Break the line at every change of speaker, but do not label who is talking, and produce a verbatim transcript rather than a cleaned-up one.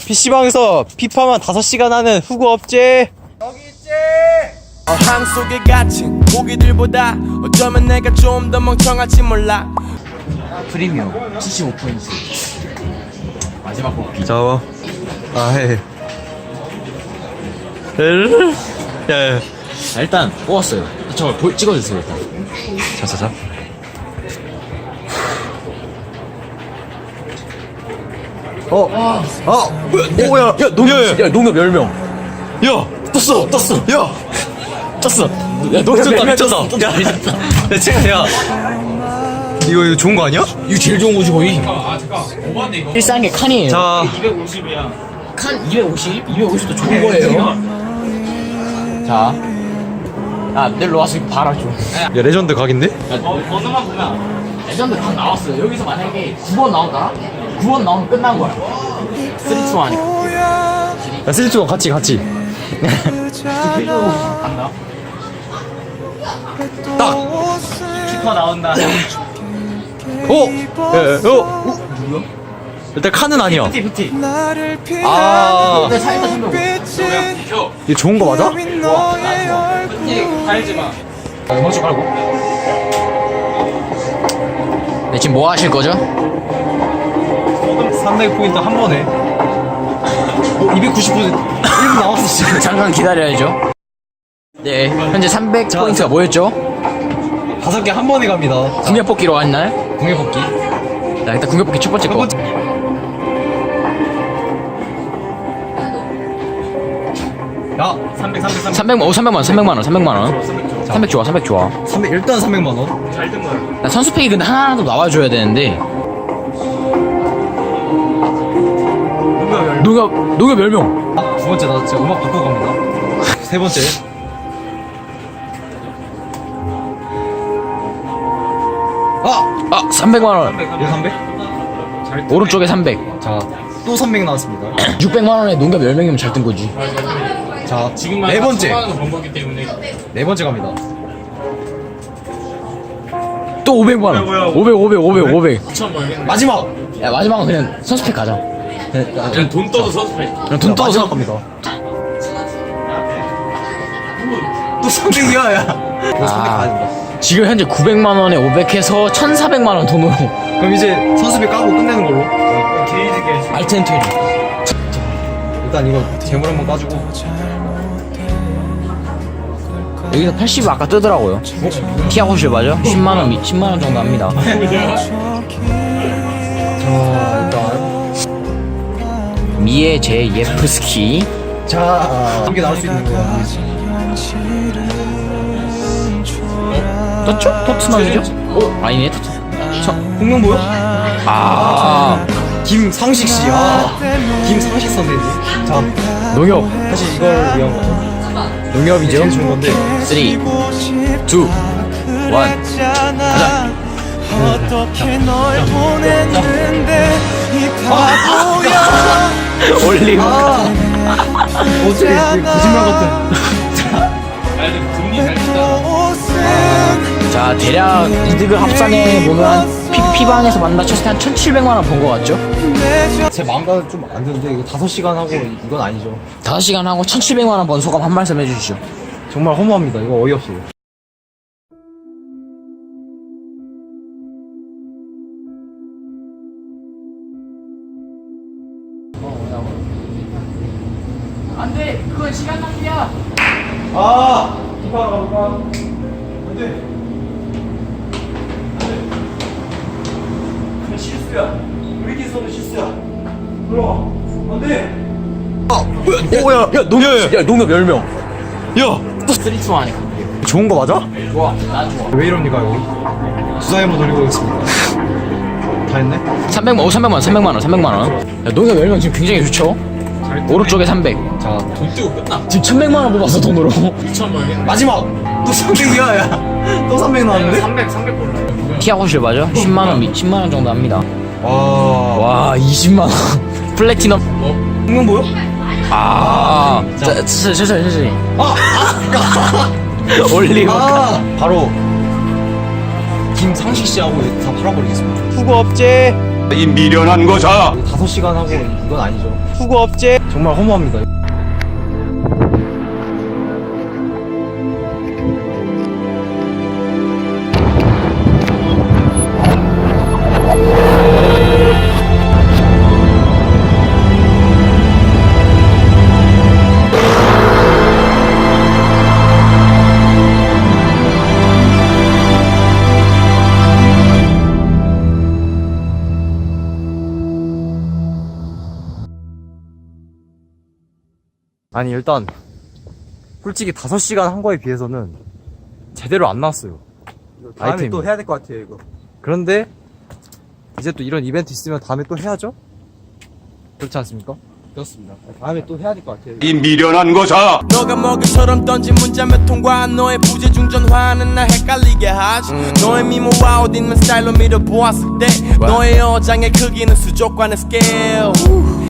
피씨방에서 피파만 다섯 시간 하는 후구 업체 여기 있지.
어항 속에 갇힌 고기들보다 어쩌면 내가 좀 더 멍청할지 몰라.
프리미엄 칠십오 포인트 마지막 뽑기.
자, 아해. 야야.
자, 일단 뽑았어요. 저 보, 찍어주세요 일단.
자자자. 어, 아, 뭐야? 오야, 야, 농협,
야 농협 열 명.
야, 떴어, 떴어, 야,
떴어. 야 농협
미쳤다,
열 명
미쳤다.
떴어. 미쳤다.
야, 채가, 야, 이거 이거 좋은 거 아니야?
이거 제일 좋은 거지 거의. 제일 싼 게 칸이에요.
자,
칸 이백오십? 이백오십도 좋은 거예요. 자, 아 내일로 와서 이거 봐라 좀.
야, 레전드 각인데?
야, 번호만 보면 레전드 각 나왔어요. 여기서 만약에 구 번 나온다? 구 번 나오면 끝난 거야. 쓰리 투 하니까.
야, 슬리츠가 같이, 같이.
간다.
딱.
키퍼 나온다.
오, 야, 야, 어,
누구야?
일단 칸은 아니야.
피티 피티.
아,
근데 사이다 선배
이거 좋은 거 맞아?
좋아. 나 좋아. 달지 마. 음악 좀 깔고. 네, 지금 뭐 하실 거죠?
삼백 포인트 한 번에. 어, 이백구십 포인트 일 분 남았어 지금.
잠깐 기다려야죠. 네, 현재 삼백
자,
포인트가 뭐였죠?
다섯 개 한 번에 갑니다.
궁합 뽑기로 한 날.
공개 뽑기.
자, 일단 궁합 뽑기 첫 번째 거.
야, 삼백, 삼백, 삼백.
삼백, 어, 삼백만 원, 삼백만 원, 삼백만 원. 삼백 좋아, 삼백 좋아.
삼백 일단 삼백만 원.
나 선수팩이 근데 하나라도 나와줘야 되는데. 농협, 농협 열 명.
아, 두 번째 나 진짜 음악 바꾸고 갑니다. 세 번째. 아,
아, 삼백만 원.
이거 삼백?
오른쪽에 삼백.
자, 또 삼백 나왔습니다.
육백만 원에 농협 열 명이면 잘 뜬 거지.
자, 네 번째. 네 번째 갑니다.
또 오백만 원. 오백, 오백, 오백, 오백.
마지막.
야, 마지막은 그냥 선수팩 가자.
그냥 돈 떠도 선수팩.
그냥 돈 떠서.
마지막 갑니다. 또 삼백이야, 야. 이거 삼백 가야 된다.
지금 현재 구백만 원에 오백 해서 천사백만 원 돈으로.
그럼 이제 선수비 까고 끝내는 걸로.
알텐트리.
일단 이거 재물 한번 까주고.
여기서 팔십 아까 뜨더라고요. 티아고 실 맞아? 십만 원, 십만 원 정도 합니다.
자, 일단.
미에 제 예프스키.
자, 이게 나올 수 있는 거야.
떴죠? 토트넘이죠? 어? 아니네, 토트. 저,
홍명 보여?
아,
김상식 씨. 아, 김상식 선생님. 자,
농협.
사실 이걸 위한 거죠.
농협이죠?
제일 좋은 건데.
삼, 이, 일. 가자.
어떻게 널 보냈는데 이 바보야.
올리브.
어떻게 거짓말 같은.
자, 대략 이득을 합산해 보면 피피방에서 만나쳤을 때 한 천칠백만 원 번 거 같죠?
제 마음과는 좀 안 드는데 이거 다섯 시간 하고 이건 아니죠.
다섯 시간 하고 천칠백만 원 번 소감 한 말씀 해주시죠.
정말 허무합니다. 이거 어이없어요.
안 돼! 그건 시간 낭비야!
아, 기파로 가볼까? 안 돼. 안 돼. 실수야. 위기선은 실수야. 들어와. 안 돼. 아, 뭐야? 오, 야, 야, 농협,
야, 농협 열 명.
야,
또 쓰리 투 하니까.
좋은 거 맞아?
좋아, 난 좋아.
왜 이럽니까 여기? 수사에 한번 돌리고 오겠습니다. 다 했네?
삼백만 원, 어, 삼백만 원, 삼백만 원, 삼백만 원. 야, 농협 열 명 지금 굉장히 좋죠? 오른쪽에 삼백.
자,
돈 뜨고 끝나.
지금 천백만 원 뽑았어, 돈으로.
이천만 원.
마지막. 또 삼백이야, 야. 또 삼백 나왔는데?
삼백, 삼백 골라.
티아고 실 맞아? 십만 원, 십만 원 정도 합니다.
와,
와, 이십만 원. 플래티넘.
홍명 보여?
아, 자, 천천히, 천천히, 천천히.
아,
올리브.
아, 바로 김상식 씨하고 다 팔아버리겠습니다. 후보 업체.
이 미련한 거사.
다섯 시간 하고 이건 아니죠. 수고업체 정말 허무합니다. 아니 일단 솔직히 다섯 시간 한 거에 비해서는 제대로 안 나왔어요.
다음에
아이템이.
또 해야 될 것 같아요 이거.
그런데 이제 또 이런 이벤트 있으면 다음에 또 해야죠? 그렇지 않습니까?
그렇습니다. 다음에 또 해야 될 것 같아요.
이 미련한 거사.
너가 먹이처럼 던진 문자 몇 통과 너의 부재중 전화는 날 헷갈리게 하지 너의 미모와 옷 입는 스타일로 밀어보았을 때 너의 어장의 크기는 수족관의 스케일